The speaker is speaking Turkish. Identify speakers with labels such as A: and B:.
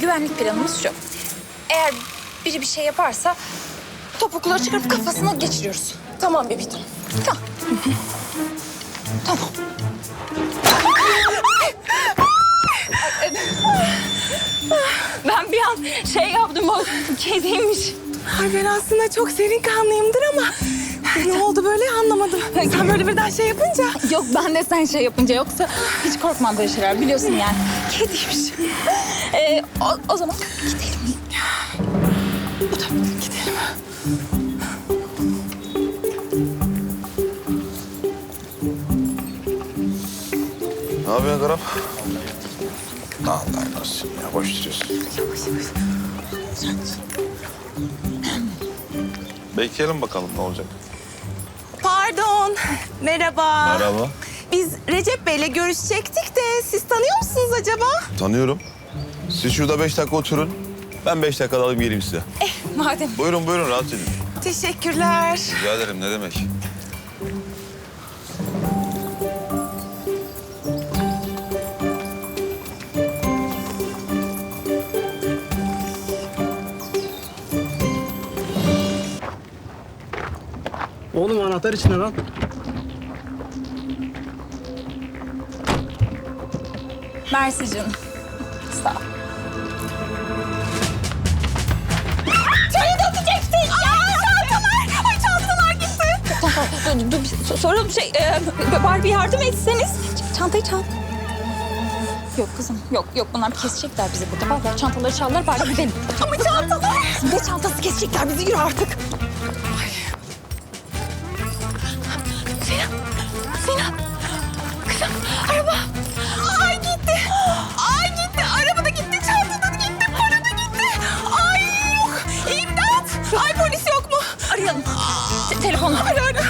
A: güvenlik planımız şu. Eğer biri bir şey yaparsa topukları çıkarıp kafasına geçiriyoruz.
B: Tamam bebeğim.
A: Tamam. Tamam. Ben bir an şey yaptım, o kediymiş.
B: Ay ben aslında çok serin kanlıyımdır ama ne oldu böyle anlamadım. Sen böyle birden şey yapınca.
A: Yok, ben de sen şey yapınca, yoksa hiç korkmam böyle şeyler, biliyorsun yani. Kediymiş. O zaman gidelim.
B: Gidelim.
C: Ne yapıyorsun Karap? Allah olsun ya, boş duruyorsun. Bekleyelim bakalım ne olacak.
B: Pardon. Merhaba.
C: Merhaba.
B: Biz Recep Bey'le görüşecektik de siz tanıyor musunuz acaba?
C: Tanıyorum. Siz şurada 5 dakika oturun. Ben 5 dakika alayım geleyim size.
A: Madem.
C: Buyurun buyurun, rahat edin.
B: Teşekkürler.
C: Rica ederim, ne demek.
D: Oğlum anahtar içine lan.
A: Mersi canım. Sağ ol. Çayı dökeceksin. Çantalar. Ay, çantalar gitti. Tamam, dur. Sorun bari bir yardım etseniz. Çantayı çal. Yok kızım, yok. Bunlar kesecekler bizi burada. Vallahi çantaları çaldılar, bari gidelim. Ama çantalar. Ne çantası, kesecekler bizi, yürü artık. Sinan. Kızım, araba. Ay gitti. Araba da gitti, çanta da gitti, para da gitti. Ay yok. İmdat. Ay polis yok mu? Arayalım. Telefonla. Ara.